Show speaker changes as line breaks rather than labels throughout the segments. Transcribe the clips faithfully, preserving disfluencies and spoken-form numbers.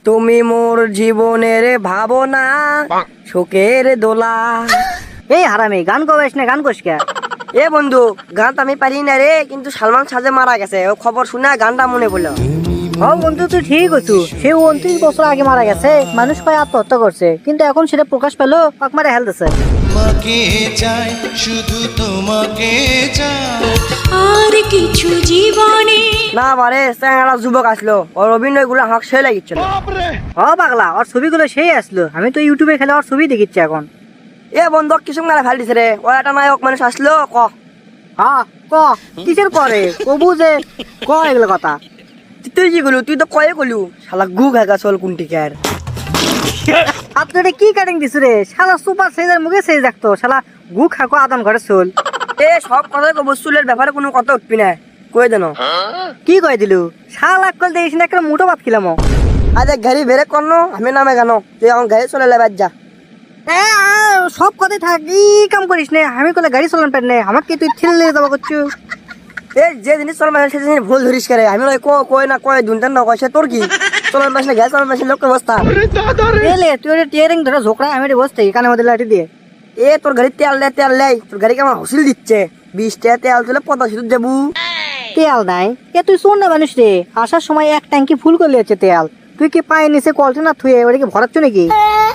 তুমি মোর জীবনের ভাবনা শোকের দোলা।
এই হারামি গান কবেস না গান কোস কে?
এ বন্ধু, গান তো আমি পারি না রে, কিন্তু সালমান শাহ যে মারা গেছে ও খবর শুনে গানটা মনে পড়লো।
ও বন্ধু তুই ঠিক আছু, সে উনত্রিশ বছর আগে মারা গেছে, মানুষ কয় আত্মহত্যা করছে, কিন্তু এখন সেটা প্রকাশ পেলো পাক মারে হেল দিছে।
তোমাকে চাই, শুধু তোমাকে চাই,
আর কিছু জীবনে
না বারে চ্যাংড়া যুবক আসলো, ওর অভিনয় গুলো আমাকে সে লাগিচ্ছিল।
ও পাগলা, ওর ছবিগুলো সেই আসলো, আমি তো ইউটিউবে খেলে ওর ছবি দেখিচ্ছি এখন।
এ বন্ধু কিছু মেলা ফেল দিছে রে, ও একটা নায়ক মানুষ আসলো ক।
হ্যাঁ ক, কিসের করে কবু যে ক এগুলো কথা।
তুই কি গলু, তুই তো কয়ে গলু, শালা গু ঘাগা চল কুন্টিকার।
আপনি এটা কি কাটিং দিছু রে? শালা সুপার সাইজের মুখে সেই দেখতো, শালা গু খাকো আদম ঘরে চল।
এ সব কথাই কব, চুলের ব্যাপারে কোনো কথা উঠবি না, কয়ে দেন।
কি কয় দিলু? শালা কল দেইস না, একটা মোটো ভাত খেলাম।
আজ গাড়ি বেরে করন, আমি নামে গানো, তুই আমার গাড়ি চলে লেবার যা।
এ সব কথাই থাক, ই কাম করিস নে, আমি কলে গাড়ি চালান পারি না, আমাকে তুই ঠেলে নিয়ে যাবো করছু।
এই যে জিনিস চলার পাশে সেই জিনিস ভুল ধরিস করে, আমি নয় কয় না কয় দুনটান না কয়, সে তোর কি চলার পাশে গ্যাস চলার পাশে লোকের অবস্থা।
এলে তুই ওটা টিয়ারিং ধরে ঝোকরা, আমি এটা বসতে কানে মধ্যে লাঠি দিয়ে।
এ তোর গাড়ি তেল দেয় তেল দেয়, তোর গাড়িকে আমার হসিল দিচ্ছে, বিশ টাকা তেল তুলে পঞ্চাশ শুধু যাবো।
তেল নাই? এ তুই শোন না মানুষ রে, আসার সময় এক ট্যাঙ্কি ফুল করে লিয়েছে তেল, তুই কি পায়ে নিচে কলটা না থুয়ে ওটাকে ভরাচ্ছ নাকি?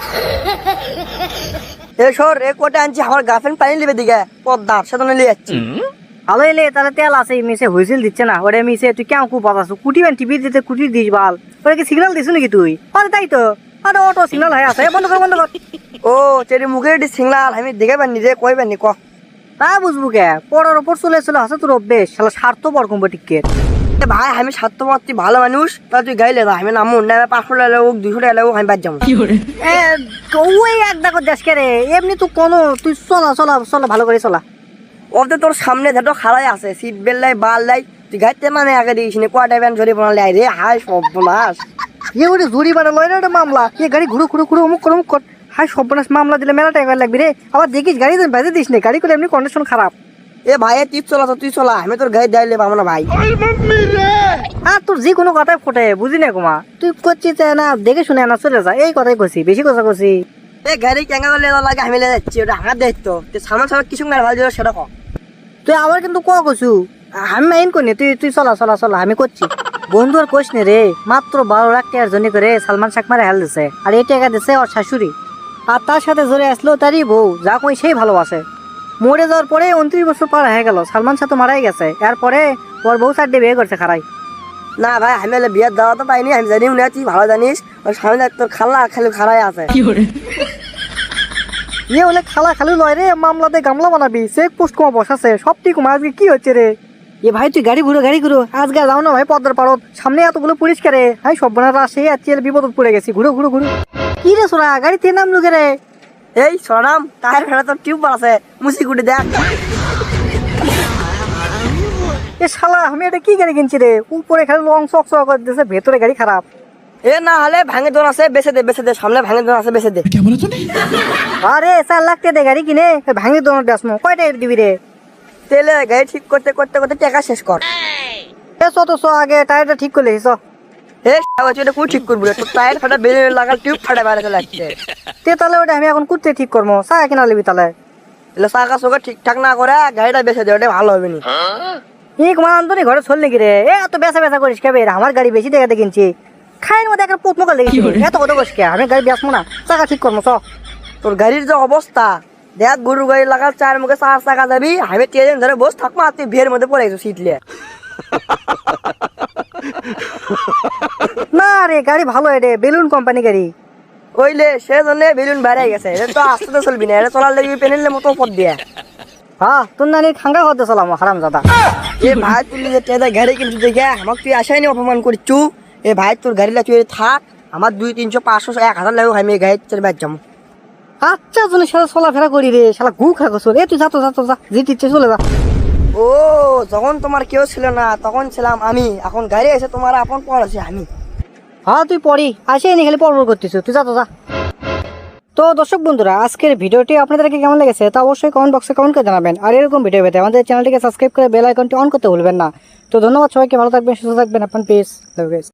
এ সর, এ কোটে আনছি আমার গার্লফ্রেন্ড পানি নেবে দিকে পদ্মার সাথে নিয়ে যাচ্ছি।
ভালো এলে তাহলে তেল আছে, মিশে হুইসেল দিচ্ছে না, ওটা মিশে তুই কেমন খুব পাতাছো, কুটি ব্যান টিভি দিতে কুটি দিস বাল, ওটা কি সিগন্যাল দিস নাকি তুই? আরে তাই তো, আরে অটো সিগন্যাল হয়ে আছে, বন্ধ কর বন্ধ কর।
ও চেরি মুখে এটি সিগনাল আমি দেখে পারিনি রে, কই পারিনি ক।
তা বুঝবো কে, পড়ার ওপর চলে চলে আসে তোর অভ্যেস, শালা স্বার্থ পর কম্পিটিকের।
এ ভাই আমি স্বার্থপর, তুই ভালো মানুষ, তাহলে তুই গাইলে দা, আমি নামুন না, পাঁচশো টাকা লোক দুশো টাকা লোক আমি বাদ যাবো।
এ ওই এক দেখো দেশ কে রে, এমনি তুই কোনো তুই চলা চলা চলা ভালো করে চলা।
ওতে তোর সামনে ধরো খাড়াই আছে, সিট বেল্ট লাই বাল লাই, তুই গাইতে মানে আগে দিস নি, কোয়াটাই ব্যান ঝরি বানালে রে, হাই সর্বনাশ।
এ ওটা জুরি বানা লয় না, ওটা মামলা, এ গাড়ি ঘুরো ঘুরো ঘুরো অমুক কর অমুক কর, হাই সর্বনাশ, মামলা দিলে মেলা টাকা লাগবে রে, আবার দেখিস গাড়ি বেঁধে দিস নে, গাড়ি করে এমনি কন্ডিশন খারাপ।
এ ভাই তুই চলা তো, তুই চলা, আমি তোর গাড়ি দাইলে পাবো না ভাই।
আর তোর যে কোনো কথাই ফোটে বুঝি না কুমা, তুই করছিস না দেখে শুনে না চলে যা, এই কথাই কছি, বেশি কথা কছি।
এ গাড়ি কেঙ্গা করলে লাগে আমি লেগে যাচ্ছি, ওটা আমার দায়িত্ব, তুই সামান সামান কিছু মেরে ভালো দিল সেটা কম।
তুই আবার কিন্তু ক কছু, আমি মাইন করি, তুই তুই চলা চলা চলা, আমি করছি। বন্ধু আর কোশ নে রে, মাত্র বারো লাখ টাকার জন্য করে সালমান শাহ মারে হেল দিছে, আর এই টাকা দিছে ওর শাশুড়ি, আর তার সাথে জোরে আসলো তারই বউ, যা কই সেই ভালোবাসে। মরে যাওয়ার পরে উনত্রিশ বছর পার হয়ে গেল, সালমান শাহ তো মারাই গেছে, এরপরে ওর বউ সাইড দিয়ে বিয়ে করছে খারাই।
না ভাই আমি বিয়ের দাওয়া তো পাইনি, আমি জানি না, তুই ভালো জানিস, ওর সামনে তোর খালা খালি খারাই আছে।
ইয়ে হলে খালা খালি লয় রে, মামলাতে গামলা বানাবি, চেক পোস্ট কমা বসাছে, সব ঠিক কমা, আজকে কি হচ্ছে রে? এ ভাই তুই গাড়ি ঘুরো গাড়ি ঘুরো, আজকে যাও না ভাই পদ্মার পারত, সামনে এতগুলো পুলিশ করে, হাই সব বোনার আসে আর চেয়ে বিপদ পড়ে গেছি, ঘুরো ঘুরো ঘুরো। কি রে সোনা, গাড়িতে নাম লুকে রে?
এই সরাম টায়ার ফেরা তোর টিউব আছে, মুসি কুটি দেখ।
এ শালা আমি এটা কি গাড়ি কিনছি রে, উপরে খালি লং চক চক করে দিয়েছে, ভেতরে গাড়ি খারাপ।
এ না হলে ভাঙে দোন আছে, বেছে দে বেছে দে, সামনে ভাঙে দোন আছে, বেছে দে।
আরে চার লাখ টাকা গাড়ি কিনে ভাঙি দোনো দেসমো, কয়টা দিবি রে?
তেলে গাড়ি ঠিক করতে করতে করতে টাকা শেষ কর।
এ চ তো চ, আগে টায়ারটা ঠিক করলে চ।
এ এটা কোন ঠিক করবি রে, তোর টায়ার ফাটা বেরিয়ে লাগাল, টিউব ফাটা বাইরে চলে আসছে।
তে তাহলে ওটা আমি এখন করতে ঠিক করবো, চা কিনা লিবি তাহলে।
এলে চাকা চোখা ঠিকঠাক না করে গাড়িটা বেছে দে, ওটা ভালো হবে না।
এক মান ধরে ঘরে চল নাকি রে, এ এত বেচা বেচা করিস কে? আমার গাড়ি বেশি টাকাতে কিনছি, খাইয়ের মধ্যে একটা পোত মোকাল লেগেছি, এত কথা করিস কে? আমি গাড়ি বেচবো না, চাকা ঠিক করবো চ।
তোর গাড়ির যে অবস্থা দেখ, গরু গাড়ি লাগাল চার মুখে চার চাকা যাবি, আমি ট্রেন ধরে বস থাকবো, আর তুই ভিড়ের মধ্যে পড়ে গেছো সিটলে।
না রে গাড়ি ভালো, এটা বেলুন কোম্পানি গাড়ি।
ওইলে সেজন্য বেলুন বেড়ে গেছে, এটা তো আস্তে তো চলবি না, এটা চলার লেগে পেনের মতো পথ দিয়ে।
হ্যাঁ তোর নানি খাঙ্গা করতে চলাম হারাম দাদা।
এ ভাই তুই যে ট্রেনে গাড়ি কিনছি দেখে আমাকে তুই আসাইনি অপমান করছু। এ ভাই তোর গাড়ি তুই থাক, আমার দুই তিনশো পাঁচশো এক হাজার লাগবে, আমি এই গাড়ি চলে বাদ যাবো।
আচ্ছা জনের সাথে চলাফেরা করি রে, শালা গু খা গোসল, এ তুই যা তো যা তো যা, জিতে ইচ্ছে চলে যা।
ও যখন তোমার কেউ ছিল না তখন ছিলাম আমি, এখন গাড়ি এসে তোমার আপন পর আছে আমি।
হ্যাঁ তুই পড়ি আসে নি খালি পড় করতেছ, তুই যা তো যা। তো দর্শক বন্ধুরা, আজকের ভিডিওটি আপনাদেরকে কেমন লেগেছে তা অবশ্যই কমেন্ট বক্সে কমেন্ট করে জানাবেন, আর এরকম ভিডিও পেতে আমাদের চ্যানেলটিকে সাবস্ক্রাইব করে বেল আইকনটি অন করতে ভুলবেন না। তো ধন্যবাদ সবাইকে, ভালো থাকবেন, সুস্থ থাকবেন, আপনার পিস।